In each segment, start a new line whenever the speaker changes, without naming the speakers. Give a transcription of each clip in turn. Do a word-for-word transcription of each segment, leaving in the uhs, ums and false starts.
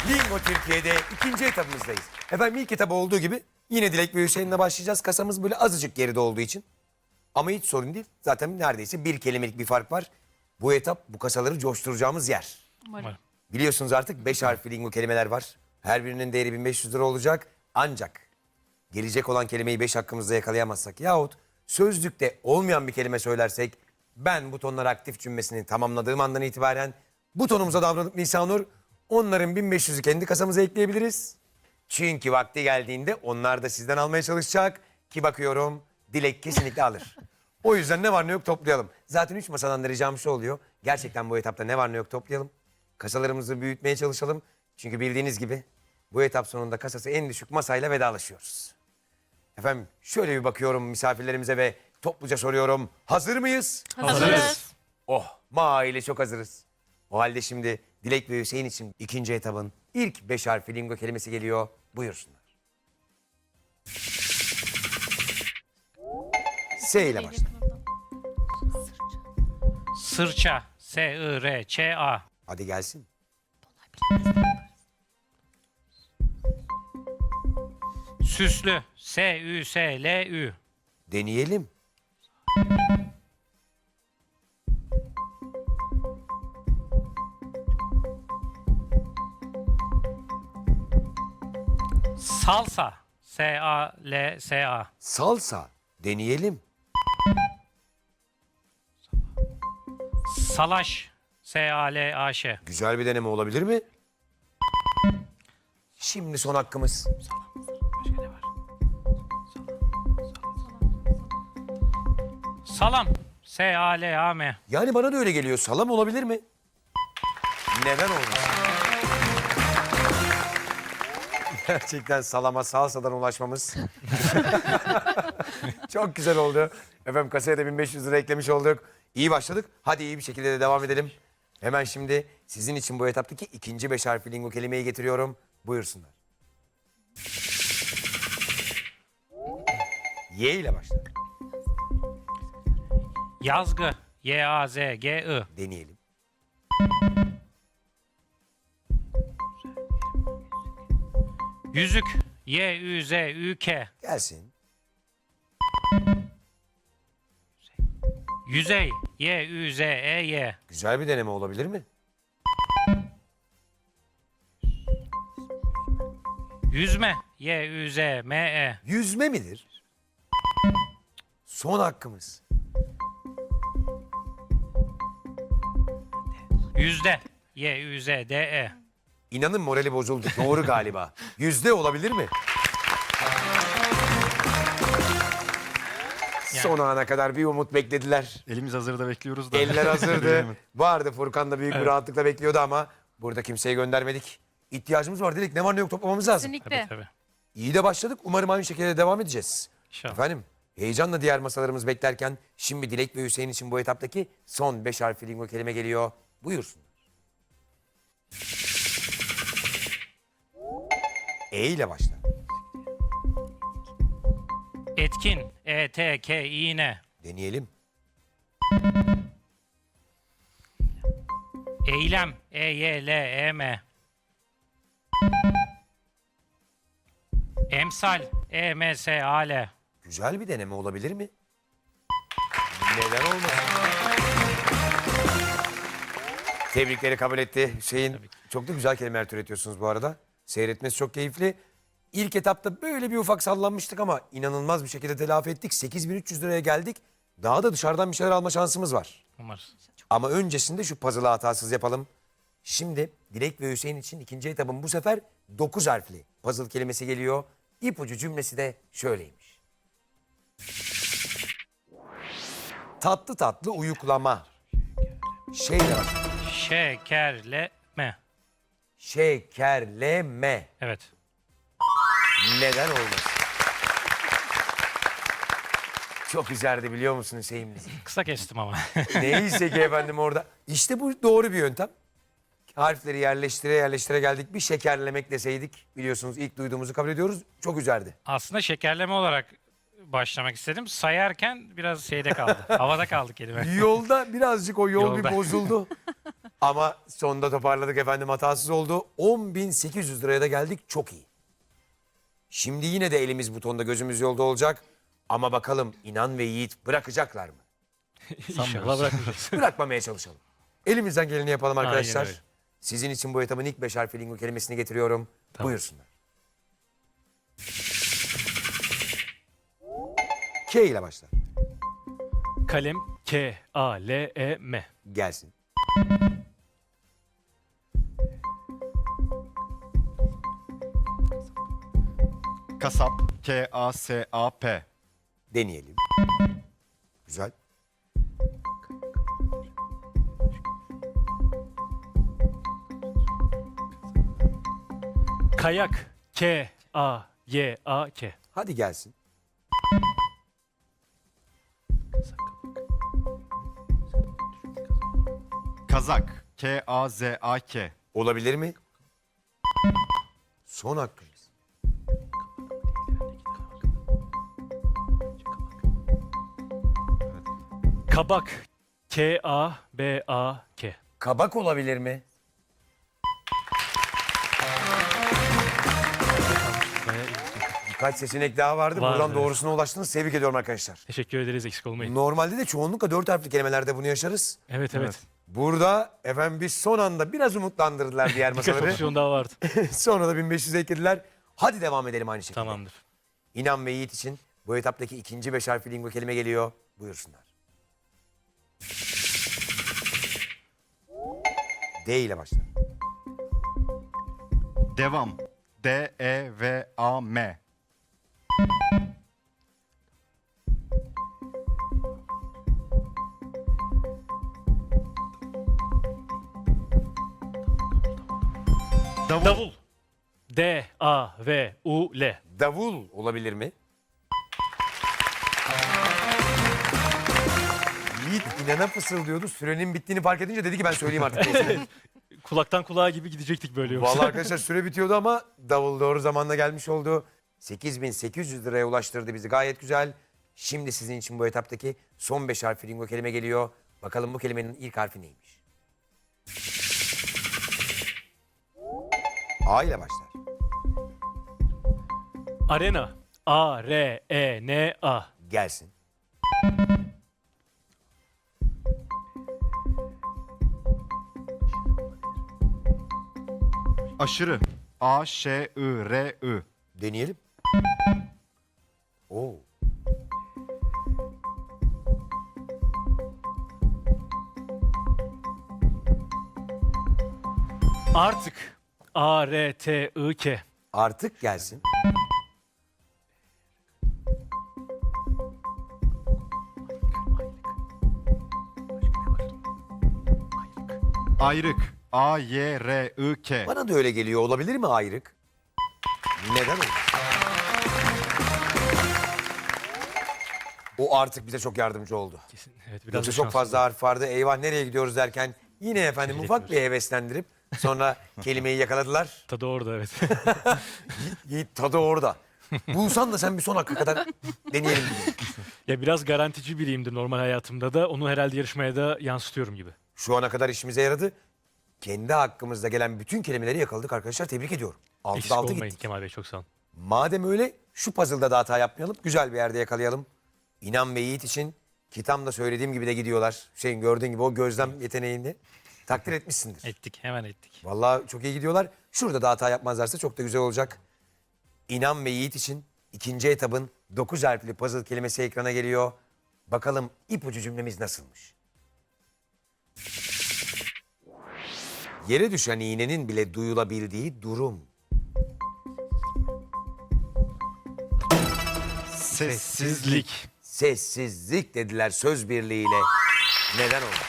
Bingo Türkiye'de ikinci etapımızdayız. Efendim ilk etap olduğu gibi yine Dilek ve Hüseyin'le başlayacağız. Kasamız böyle azıcık geride olduğu için. Ama hiç sorun değil. Zaten neredeyse bir kelimelik bir fark var. Bu etap bu kasaları coşturacağımız yer.
Umarım.
Biliyorsunuz artık beş harfli lingo kelimeler var. Her birinin değeri bin beş yüz lira olacak. Ancak gelecek olan kelimeyi beş hakkımızda yakalayamazsak yahut sözlükte olmayan bir kelime söylersek ben butonlar aktif cümlesini tamamladığım andan itibaren butonumuza davranıp Nisanur onların bin beş yüzü kendi kasamıza ekleyebiliriz. Çünkü vakti geldiğinde onlar da sizden almaya çalışacak ki bakıyorum Dilek kesinlikle alır. O yüzden ne var ne yok toplayalım. Zaten üç masadan da ricam şu oluyor. Gerçekten bu etapta ne var ne yok toplayalım. Kasalarımızı büyütmeye çalışalım. Çünkü bildiğiniz gibi bu etap sonunda kasası en düşük masayla vedalaşıyoruz. Efendim şöyle bir bakıyorum misafirlerimize ve topluca soruyorum. Hazır mıyız?
Hazırız.
Oh maile çok hazırız. O halde şimdi Dilek ve Hüseyin için ikinci etabın ilk beş harfli lingo kelimesi geliyor. Buyursunlar. S ile başla.
Sırça. S-I-R-Ç-A.
Hadi gelsin.
Süslü. S-Ü-S-L-Ü.
Deneyelim.
Salsa. S-A-L-S-A.
Salsa. Deneyelim.
Salaş. S-A-L-A-Ş.
Güzel bir deneme olabilir mi? Şimdi son hakkımız.
Salam. S-A-L-A-M.
Yani bana da öyle geliyor. Salam olabilir mi? Neden olmaz? Gerçekten salama salsadan ulaşmamız. Çok güzel oldu. Efendim kasaya da bin beş yüz lira eklemiş olduk. İyi başladık. Hadi iyi bir şekilde de devam edelim. Hemen şimdi sizin için bu etaptaki ikinci beş harfli lingo kelimeyi getiriyorum. Buyursunlar. Y ile başla.
Yazgı. Y-A-Z-G-I.
Deneyelim.
Yüzük. Y-Ü-Z-Ü-K.
Gelsin.
Yüzey. Y-Ü-Z-E-Y.
Güzel bir deneme olabilir mi?
Yüzme. Y-Ü-Z-M-E.
Yüzme midir? Son hakkımız.
Yüzde. Y-Ü-Z-D-E.
İnanın morali bozuldu. Doğru galiba. Yüzde olabilir mi? Son ana kadar bir umut beklediler.
Elimiz hazırda bekliyoruz da.
Eller hazırdı.
Bilemedim.
Vardı Furkan da büyük bir rahatlıkla bekliyordu ama burada kimseyi göndermedik. İhtiyacımız var dedik. Ne var ne yok toplamamız lazım.
Tabii
Kesinlikle.
tabii.
İyi de başladık. Umarım aynı şekilde devam edeceğiz.
İnşallah.
Efendim heyecanla diğer masalarımız beklerken şimdi Dilek ve Hüseyin için bu etaptaki son beş harfli lingo kelime geliyor. Buyursunlar. E ile başla.
Etkin. E-T-K-İ-N.
Deneyelim.
Eylem. E-Y-L-E-M. Emsal. E-M-S-A-L.
Güzel bir deneme olabilir mi? Neden olmasın? Tebrikleri kabul etti Hüseyin. Çok da güzel kelimeler türetiyorsunuz bu arada. Seyretmesi çok keyifli. İlk etapta böyle bir ufak sallanmıştık ama inanılmaz bir şekilde telafi ettik. sekiz bin üç yüz liraya geldik. Daha da dışarıdan bir şeyler alma şansımız var.
Umarız.
Ama öncesinde şu puzzle'ı hatasız yapalım. Şimdi Dilek ve Hüseyin için ikinci etapın bu sefer dokuz harfli puzzle kelimesi geliyor. İpucu cümlesi de şöyleymiş. Tatlı tatlı uyuklama. Şeyle bak.
Şekerleme.
Şekerleme.
Evet.
Neden olmasın? Çok üzerdi biliyor musun Hüseyin bizi?
Kısa kestim ama.
Neyse ki efendim orada. İşte bu doğru bir yöntem. Harfleri yerleştire yerleştire geldik. Bir şekerlemek deseydik biliyorsunuz ilk duyduğumuzu kabul ediyoruz. Çok üzerdi.
Aslında şekerleme olarak başlamak istedim. Sayarken biraz şeyde kaldı. Havada kaldı kelime.
Yolda birazcık o yol
Yolda.
bir bozuldu. Ama sonunda toparladık efendim, hatasız oldu. on bin sekiz yüz liraya da geldik, çok iyi. Şimdi yine de elimiz butonda, gözümüz yolda olacak. Ama bakalım İnan ve Yiğit bırakacaklar mı?
İnşallah bırakmayacağız.
Bırakmamaya çalışalım. Elimizden geleni yapalım arkadaşlar.
Aynen öyle.
Sizin için bu etapın ilk beş harfli lingo kelimesini getiriyorum.
Tamam.
Buyursunlar. K ile başlar.
Kalem K A L E M.
Gelsin.
Kasap. K A S A P.
Deneyelim. Güzel.
Kayak K A Y A K.
Hadi gelsin.
Kazak. K A Z A K.
Olabilir mi? Son hakkımız.
Kabak K A B A K.
Kabak olabilir mi?
Bayağı iyi.
Birkaç seçenek daha vardı.
Vardı,
Buradan
evet.
doğrusuna ulaştınız. Tebrik ediyorum arkadaşlar.
Teşekkür ederiz, eksik olmayın.
Normalde de çoğunlukla dört harfli kelimelerde bunu yaşarız.
Evet evet.
Evet.
Burada efendim biz son anda biraz umutlandırdılar diğer
Birkaç
masaları.
opsiyon daha vardı.
Sonra da bin beş yüz eklediler. Hadi devam edelim aynı şekilde.
Tamamdır.
İnan ve Yiğit için bu etaptaki ikinci beş harfli lingo kelime geliyor. Buyursunlar. D ile başlar.
Devam. D E V A M. Davul.
Davul D A V U L.
Davul olabilir mi? Yiğit inana fısıldıyordu. Sürenin bittiğini fark edince dedi ki ben söyleyeyim artık. neyse.
Kulaktan kulağa gibi gidecektik böyle yoksa.
Vallahi arkadaşlar süre bitiyordu ama davul doğru zamanda gelmiş oldu. sekiz bin sekiz yüz liraya ulaştırdı bizi, gayet güzel. Şimdi sizin için bu etaptaki son beş harfli lingo kelime geliyor. Bakalım bu kelimenin ilk harfi neymiş? A ile başlar.
Arena A R E N A.
Gelsin.
Aşırı. A Ş I R I.
Deneyelim. Oo.
Artık A R T I K.
Artık gelsin.
Ayrık. A Y R I K.
Bana da öyle geliyor. Olabilir mi ayrık? Neden olur? O artık bize çok yardımcı oldu.
Kesin. Evet, biraz
Yoksa
da
çok
şanslı.
fazla harf vardı. Eyvah nereye gidiyoruz derken yine efendim
Acele
ufak bir
etmiyoruz.
heveslendirip sonra kelimeyi yakaladılar.
Tadı orada evet.
Yiğit tadı orada. Bulsan da sen bir son hakka kadar deneyelim gibi.
Ya biraz garantici biriyimdir normal hayatımda da. Onu herhalde yarışmaya da yansıtıyorum gibi.
Şu ana kadar işimize yaradı. Kendi hakkımızda gelen bütün kelimeleri yakaladık arkadaşlar. Tebrik ediyorum.
Eksik
altıda altı
olmayın
gittik.
Kemal Bey, çok sağ olun.
Madem öyle şu puzzle'da da hata yapmayalım. Güzel bir yerde yakalayalım. İnan ve Yiğit için kitabımda söylediğim gibi de gidiyorlar. Şeyin gördüğün gibi o gözlem yeteneğini takdir etmişsindir.
Ettik, hemen ettik.
Vallahi çok iyi gidiyorlar. Şurada da hata yapmazlarsa çok da güzel olacak. İnan ve Yiğit için ikinci etabın dokuz harfli puzzle kelimesi ekrana geliyor. Bakalım ipucu cümlemiz nasılmış? Yere düşen iğnenin bile duyulabildiği durum.
Sessizlik.
Sessizlik dediler söz birliğiyle. Neden oldu?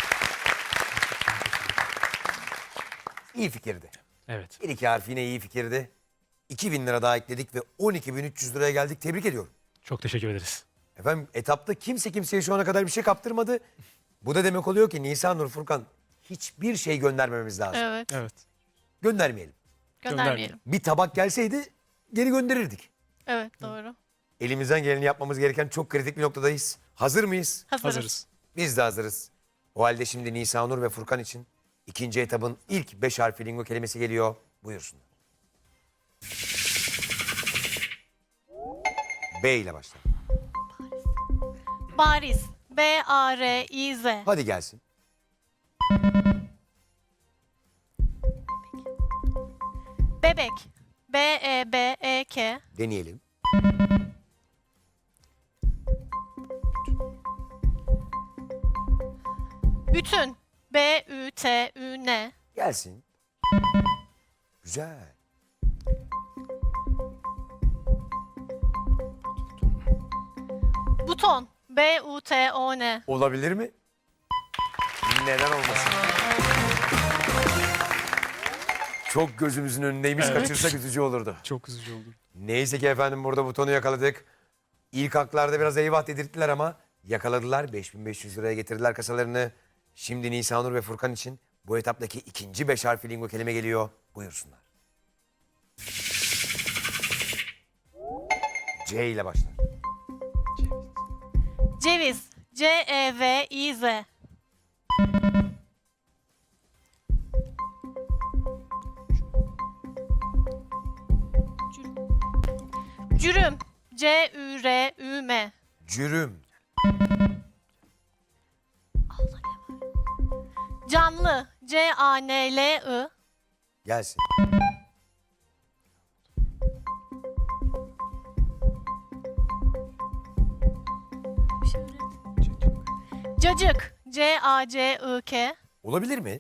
İyi fikirdi.
Evet.
Bir iki harf yine iyi fikirdi. iki bin lira daha ekledik ve on iki bin üç yüz liraya geldik. Tebrik ediyorum.
Çok teşekkür ederiz.
Efendim etapta kimse kimseye şu ana kadar bir şey kaptırmadı. Bu da demek oluyor ki Nisan Nur Furkan hiçbir şey göndermememiz lazım.
Evet.
Evet.
Göndermeyelim.
Göndermeyelim.
Bir tabak gelseydi geri gönderirdik.
Evet doğru.
Elimizden geleni yapmamız gereken çok kritik bir noktadayız. Hazır mıyız?
Hazırız.
Hazırız.
Biz de hazırız. O halde şimdi Nisan Nur ve Furkan için İkinci etapın ilk beş harfli lingo kelimesi geliyor. Buyursunlar. B ile başlar.
Bariz. B A R İ Z.
Hadi gelsin.
Bebek. B E B E K.
Deneyelim.
Bütün. B Ü T Ü N.
Gelsin. Güzel.
Buton. B U T O N.
Olabilir mi? Neden olmasın? Çok gözümüzün önündeymiş.
Evet.
Kaçırsak üzücü olurdu.
Çok üzücü oldu.
Neyse ki efendim burada butonu yakaladık. İlk haklarda biraz eyvah dedirttiler ama yakaladılar. beş bin beş yüz liraya getirdiler kasalarını. Şimdi Nisanur ve Furkan için bu etaptaki ikinci beş harfli lingo kelime geliyor. Buyursunlar. C ile başlar.
Ceviz. C E V İ Z. Cürüm. C Ü R Ü M.
Cürüm.
Canlı. C A N L I.
Gelsin.
Cacık. C A C I K.
Olabilir mi?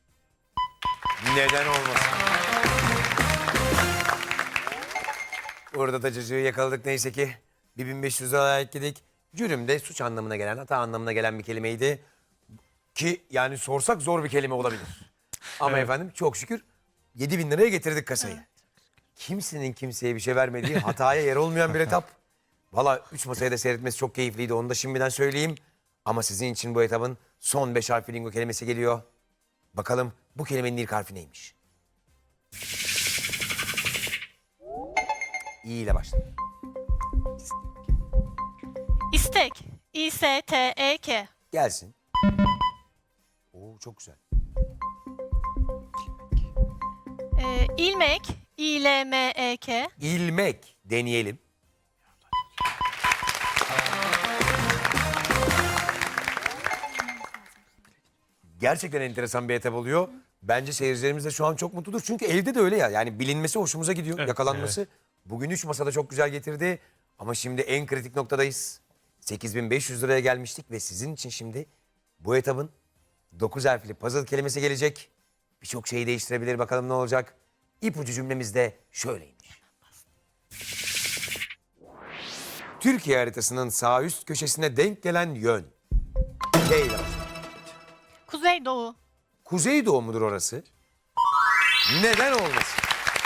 Neden olmasın? Orada da cacığı yakaladık neyse ki. bir bin beş yüz liraya ekledik. Cürüm de suç anlamına gelen, hata anlamına gelen bir kelimeydi. Ki yani sorsak zor bir kelime olabilir. Ama efendim çok şükür yedi bin liraya getirdik kasayı. Kimsenin kimseye bir şey vermediği, hataya yer olmayan bir etap. Valla üç masaya da seyretmesi çok keyifliydi, onu da şimdiden söyleyeyim. Ama sizin için bu etapın son beş harfli lingo kelimesi geliyor. Bakalım bu kelimenin ilk harfi neymiş? İ ile başlar.
İstek. İ S T E K.
Gelsin. Oo çok güzel.
Ee, ilmek. İ L M E K.
İlmek deneyelim. Gerçekten enteresan bir etap oluyor. Bence seyircilerimiz de şu an çok mutludur. Çünkü evde de öyle ya. Yani bilinmesi hoşumuza gidiyor.
Evet,
Yakalanması. Bugün üç masada çok güzel getirdi. Ama şimdi en kritik noktadayız. sekiz bin beş yüz liraya gelmiştik ve sizin için şimdi bu etapın dokuz harfli puzzle kelimesi gelecek. Birçok şeyi değiştirebilir. Bakalım ne olacak? İpucu cümlemiz de şöyleymiş. Türkiye haritasının sağ üst köşesine denk gelen yön. K ile başlar.
Kuzeydoğu.
Kuzeydoğu mudur orası? Neden olmasın?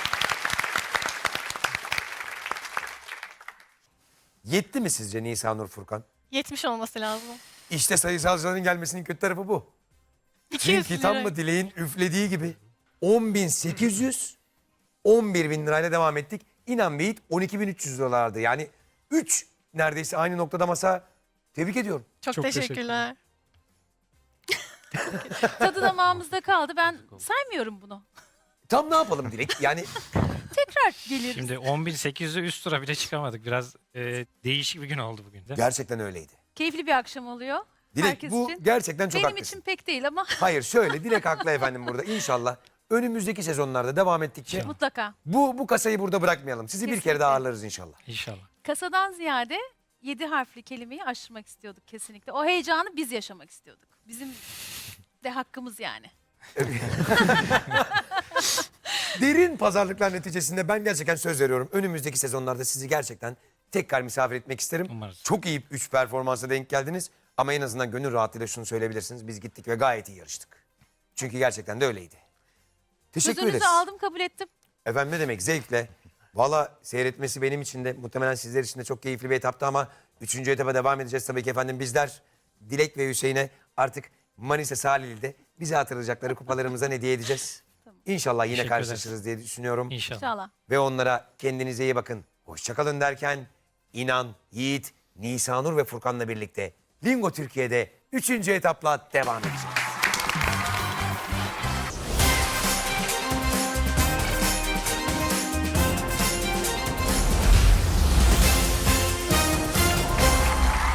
Yetti mi sizce Nisanur Furkan?
yetmiş olması lazım.
İşte sayısalcıların gelmesinin kötü tarafı bu.
iki yüz
Çünkü tam
lira.
mı dileğin üflediği gibi on bin sekiz yüz, on bir bin lirayla devam ettik. İnan Beyit on iki bin üç yüz liralardı. Yani üç neredeyse aynı noktada masa. Tebrik ediyorum.
Çok,
Çok
teşekkürler.
Tadı damağımızda kaldı. Ben saymıyorum bunu.
Tam ne yapalım Dilek? Yani
Tekrar geliriz.
Şimdi on bin sekiz yüze üst tura bile çıkamadık. Biraz e, değişik bir gün oldu bugün de.
gerçekten öyleydi.
Keyifli bir akşam oluyor.
Dilek
Herkes
bu
için.
gerçekten çok
Benim
haklısın.
için pek değil ama
Hayır şöyle Dilek haklı efendim burada. İnşallah önümüzdeki sezonlarda devam ettikçe
mutlaka.
bu bu kasayı burada bırakmayalım. Sizi bir kere
Kesinlikle.
daha ağırlarız inşallah.
İnşallah.
Kasadan ziyade yedi harfli kelimeyi aşırmak istiyorduk kesinlikle. O heyecanı biz yaşamak istiyorduk. Bizim de hakkımız yani.
Derin pazarlıklar neticesinde ben gerçekten söz veriyorum. Önümüzdeki sezonlarda sizi gerçekten tekrar misafir etmek isterim.
Umarız.
Çok iyi üç performansa denk geldiniz. Ama en azından gönül rahatlığıyla şunu söyleyebilirsiniz. Biz gittik ve gayet iyi yarıştık. Çünkü gerçekten de öyleydi. Teşekkür
Sözünüzü
ederiz.
aldım, kabul ettim.
Efendim ne demek zevkle. Valla seyretmesi benim için de muhtemelen sizler için de çok keyifli bir etaptı ama üçüncü etapa devam edeceğiz tabii ki efendim. Bizler Dilek ve Hüseyin'e artık Manisa Salihli'de bize hatırlayacakları kupalarımızdan hediye edeceğiz. İnşallah yine
Teşekkür
karşılaşırız diye düşünüyorum.
İnşallah.
İnşallah.
Ve onlara kendinize iyi bakın. Hoşçakalın derken İnan, Yiğit, Nisanur ve Furkan'la birlikte Lingo Türkiye'de üçüncü etapla devam edeceğiz.